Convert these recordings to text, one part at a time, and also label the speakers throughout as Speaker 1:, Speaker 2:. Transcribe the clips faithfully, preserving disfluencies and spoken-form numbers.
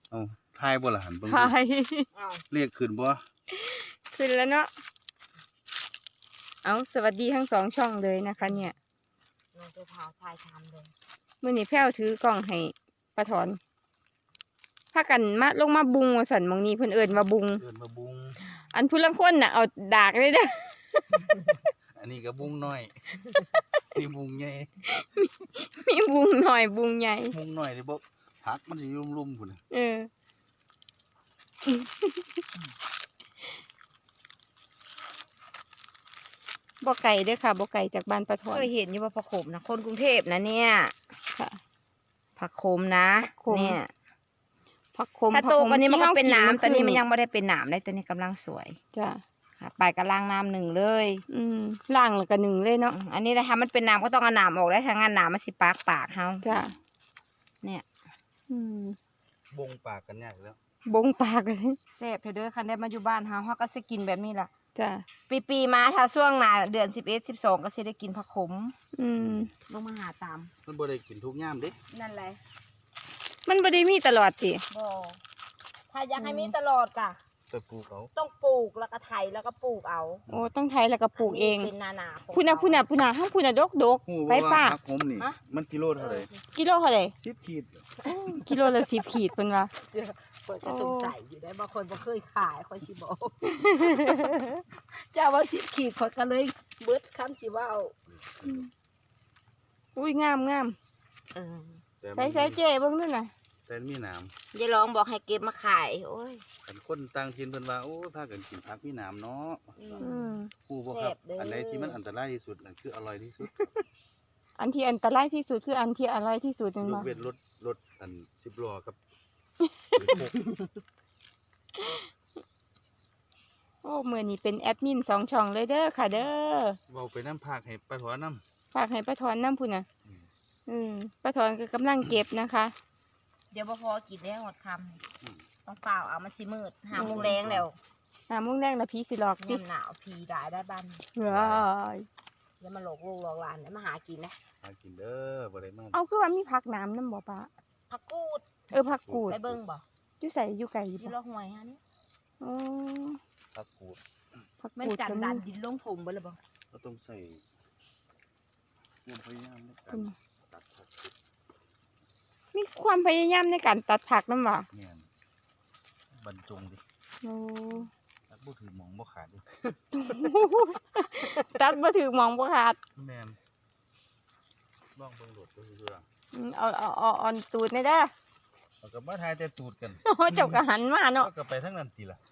Speaker 1: เอาทายบ่ล่ะหันเบิ่ง
Speaker 2: ทาย
Speaker 1: เรียกขึ้นบ่
Speaker 2: ขึ้นแล้วเนาะเอาสวัสดีทั้งสองช่องเลยนะคะเนี่ย
Speaker 3: ลงตัวเท้าทายทำเลย
Speaker 2: มื่อนี้แพ้วถือกล่องให้ป้าถอนพากันมาลงมาบุงว่าสันมองนี้เพิ่นเอิ้นมาบุง
Speaker 1: เอิ้นมาบุง
Speaker 2: อันผู้ลังคนน่ะเอาดากเลยเด้อ
Speaker 1: อันนี้ก็บุงน้อยนี่บุงใหญ่
Speaker 2: มีบุงหน่อยบุงใหญ่
Speaker 1: บุงน้อยนี่บ่ผักมันสิลุ่มๆพุ่นน่ะ
Speaker 2: เออบ่ไก่เด้อค่ะบ่ไก่จากบ้านป้าถอน
Speaker 3: เคยเห็นอยู่ว่าผักโขมนะคนกรุงเทพนะเนี่ย
Speaker 2: ค่ะ
Speaker 3: ผักโขมนะเนี่ย
Speaker 2: ผักขม
Speaker 3: ถ้าโตกว่านี้มันก็เป็นหนามตอนนี้มันยังไม่ได้เป็นหนามเลยตอนนี้กำลังสวย
Speaker 2: จ้ะ
Speaker 3: ไปกระล่างน้ำหนึ่งเลย
Speaker 2: อืมล่างแล้วก็หนึ่งเลยเนาะ
Speaker 3: อันนี้นะคะมันเป็นหนามก็ต้องเอาหนามออกได้ทางงานหนามมันสิปากปากเฮา
Speaker 2: จ้ะ
Speaker 3: เนี่ย
Speaker 2: อืม
Speaker 1: บงปากกันยากแล้ว
Speaker 2: บงปากเลย
Speaker 3: แซ่บเด้อคันได้มาอยู่บ้านเฮาเฮาก็สิกินแบบนี้ล่ะ
Speaker 2: จ้ะ
Speaker 3: ปีปีมาถ้าช่วงหน้าเดือนสิบเอ็ดสิบสองก็สิได้กินผักขม
Speaker 2: อืม
Speaker 3: ลงมาหาตาม
Speaker 1: มันบ่ได้กินทุกยามเด้
Speaker 3: นั่นแหละ
Speaker 2: มันบ่ได้มีตลอดติ
Speaker 3: บ่ถ้าอยากให้มีตลอดกะ
Speaker 1: ไปปลูกเอา
Speaker 3: ต้องปลูกแล้วก็ไถแล้วก็ปลูกเอา
Speaker 2: โอ้ต้องไถแล้วก็ปลูกเอง
Speaker 3: เป็นนานา
Speaker 2: พุ่นน่ะพุ่นน่ะพุ่นน่ะห้างพุ่นน่ะดกๆไปป้า
Speaker 1: ผักขมนี่มันกิโลเท่าไหร่
Speaker 2: กิโลเท่าไหร่
Speaker 1: สิบขีด
Speaker 2: กิโลละสิบขีดเพิ่นว่า
Speaker 3: เปิดจะสงสัยอยู่ได้บางคนบ่เคยขายค่อยสิบอกเจ้าว่าสิบขีดข่อยก็เลยเบิดคำสิว่าเอา
Speaker 2: อุ้ยงามงาม
Speaker 3: เออ
Speaker 2: ใส่ใส่เจ๊เบิ่งนู่นน่ะ
Speaker 1: แต่มีหนาม
Speaker 3: ยายร้องบอกให้เก็บมาขายโอ้ย
Speaker 1: คันคนต่างถิ่นเพิ่นว่าโอ้พากันกินผักมีหนามเนาะ
Speaker 2: อืม
Speaker 1: ผู้บ่ครับอันไหนที่มันอันตรายที่สุดนั่นคืออร่อยที่สุด
Speaker 2: อันที่อันตรายที่สุดคืออันที่อร่อยที่สุดนั่นบ่
Speaker 1: ยกเว้นรถรถอันสิบล้อครับ
Speaker 2: โอ้มื้อนี้เป็นแอดมินสองช่องเลยเด้อค่ะเด้อ
Speaker 1: เว้าไปนำภาคให้ป้าถอนนำ
Speaker 2: ฝากให้ป้าถอนนำพุ่นน่ะอืมป้าถอนก็กำลังเก็บนะคะ
Speaker 3: เดี๋ยวบ่พอกินได้หมดคำต้องเปล่าเอามันสิมืดหาโมงแรงแล้ว
Speaker 2: หาโมงแรงแล้วผีสิหลอก
Speaker 3: ดิหนาวผีได้ได้บ้าน
Speaker 2: ว้าย
Speaker 3: อย่ามาหลอกลูกหลอกหลานเนี่ยมาหากินนะ
Speaker 1: หากินเด้อบ่ได้มา
Speaker 2: เอาคือว่ามีผักน้ำนำบ่ป้า
Speaker 3: ผักกูด
Speaker 2: เออผักกูด
Speaker 3: ไปเบิ่งบ่
Speaker 2: อยู่ใส่อยู่ไกลอยู่
Speaker 3: บ่อยู่ละห้วยฮะนี่
Speaker 2: อ๋อ
Speaker 1: ผักกูด
Speaker 2: ผัก
Speaker 3: กูดมันกันดันดินลงถมเบิดเลยบ่
Speaker 1: ก็ต้องใส่ความพยายามในการตัดผัก
Speaker 2: มีความพยายามในการตัดผักนำบ่
Speaker 1: แม่นบรรจงดิ
Speaker 2: โอ้
Speaker 1: ตัดบ่ถือหมองบ่ขาดดิ
Speaker 2: ตัดบ่ถือหมองบ่ขาด
Speaker 1: แม่นลองเบิ่งโดดก็คือ
Speaker 2: เอาเอาเอาอ่อนตูดได้เด้อ
Speaker 1: เอาก็มาถ่ายแต่ตูดกัน
Speaker 2: โอ้เจ้าก็หันมาเนาะ
Speaker 1: ก็ไปทางนั้นติล่ะ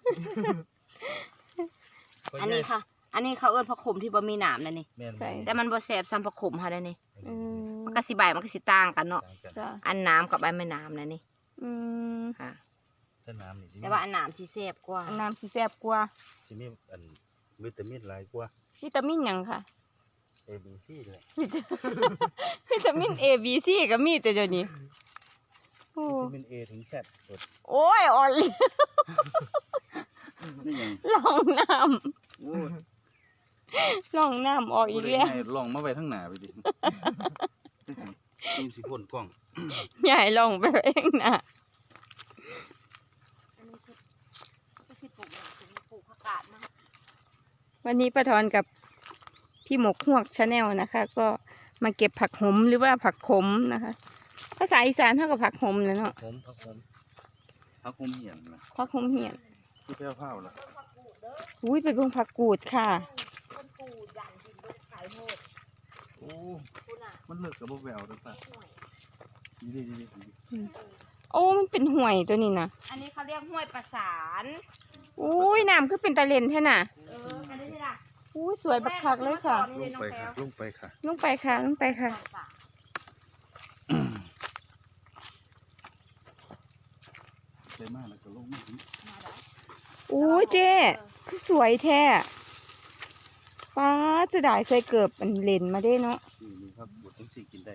Speaker 3: อันนี้ค่ะอันนี้เขาเอิ้นผักขมที่บ่มีหนามนั่นนี่แต่มันบ่แซ่บซ้ำผักขมเฮาได้นี่
Speaker 2: อืม
Speaker 3: มันก็สิใบมันก็สิต่างกันเนาะอันน้ำกับใบไม่น้ำนั่นนี่
Speaker 2: อืม
Speaker 3: ค่ะ
Speaker 1: แต่น้ำนี่
Speaker 3: แต่ว่าอันน้ำสิแซ่บกว่า
Speaker 2: อันน้ำสิแซ่บกว่า
Speaker 1: สิมีอันวิตามินหลายกว่า
Speaker 2: วิตามินหยังค่ะ
Speaker 1: A B C เลย
Speaker 2: วิตามิน A B C ก็มีแต่เดี๋ยวนี้
Speaker 1: วิตามิน A ถึง Z
Speaker 2: โอ้ยอ่อนลองน้ำ
Speaker 1: โอ้ย
Speaker 2: ลองน้ำออกอีกแล้ว
Speaker 1: ลองมาไว้ทางหน้าไปดิกินสิพ่นกล้อง
Speaker 2: ใหญ่ลองไปเองนะวันนี้ป้าถอนกับพี่หมกฮวกชาแนลนะคะ ก็มาเก็บผักหมหรือว่าผักขมนะคะภาษาอีสานเท่ากับผักหมเลยเนาะ
Speaker 1: ขมผักขมผักขมเหี่ยนนะ
Speaker 2: ผักขมเหี่ยน
Speaker 1: ที่แพ้วเผาละ
Speaker 2: อุ้ยไปเบิ่งผักกูดค่ะ
Speaker 1: โอ้มันเลิกกับแววด้วยป่ะดีดีดี
Speaker 2: โอ้มันเป็นห่วยตัวนี้นะ
Speaker 3: อันนี้เขาเรียกห้วยประสาน
Speaker 2: อุ้ยน้ำคือเป็นตะเลนแท่น่ะ
Speaker 3: เอออันนี้ล่ะ
Speaker 2: อุ้ยสวยบักคักเลยค่ะ
Speaker 1: ลงไปค่ะลงไปค่ะ
Speaker 2: ลงไปค่ะลงไปค่ะ
Speaker 1: สวยมากเลยก็ลงมา
Speaker 2: โอ้ยเจ๊คือสวยแท้ป้าจะได้ใส่เกือบมันเลนมาได้เนาะ
Speaker 1: นี่ครับบดทั้งสี่กินได้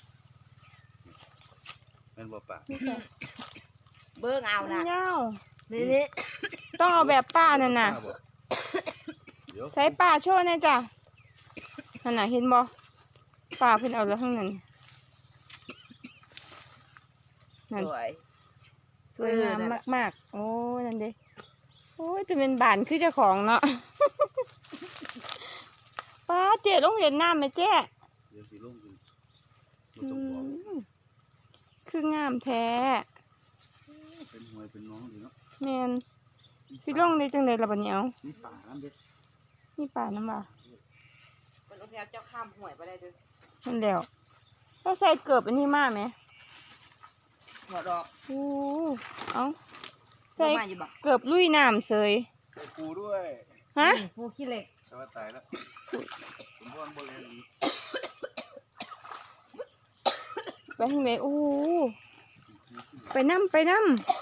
Speaker 1: แม่นบ่ป่า
Speaker 3: เบิ้งเอานะ
Speaker 2: เงานี่นี่ต้องเอาแบบป้านั่นน่ะใส่ป้าโชว์เนี่ยจ้ะนั่นน่ะเห็นบ่ป้าเพิ่นเอาแล้วข้างนั้นนั่น
Speaker 3: สวย
Speaker 2: สวยงามมากๆโอ้นั่นเด้โอ้ยจะเป็นบานคือเจ้าของเนาะ ป้าเจ๊ลงเรียนน้ำไหมเจ๊
Speaker 1: เดี๋ยวสิลงกิน
Speaker 2: อืมคืองามแท้
Speaker 1: เป็นหวยเป็นน้องดีเนาะ
Speaker 2: แมนสิลงได้จังไดล่ะบัดนี้เอา
Speaker 1: นี่ป่าน้ำเด็ด
Speaker 2: นี่ป่าน้ำบ่า
Speaker 3: มันลงแล้วเจ้าข้ามห่วยไปได้เด้อ
Speaker 2: นั่นแล้วต้องใส่เกือบอันนี้มาไหม
Speaker 3: หัวดอก
Speaker 2: โอ้เอาใส่
Speaker 3: มาอยู่บ่
Speaker 2: เกือบลุยน้ำเสย
Speaker 1: ใส่ปูด้วย
Speaker 2: ฮะ
Speaker 3: ปูขี้เหล็ก
Speaker 1: แต่ว่าตายแล้วผมว่าบริเวณนี้
Speaker 2: ไปทางไหนโอ้ไปน้ำไปน้ำ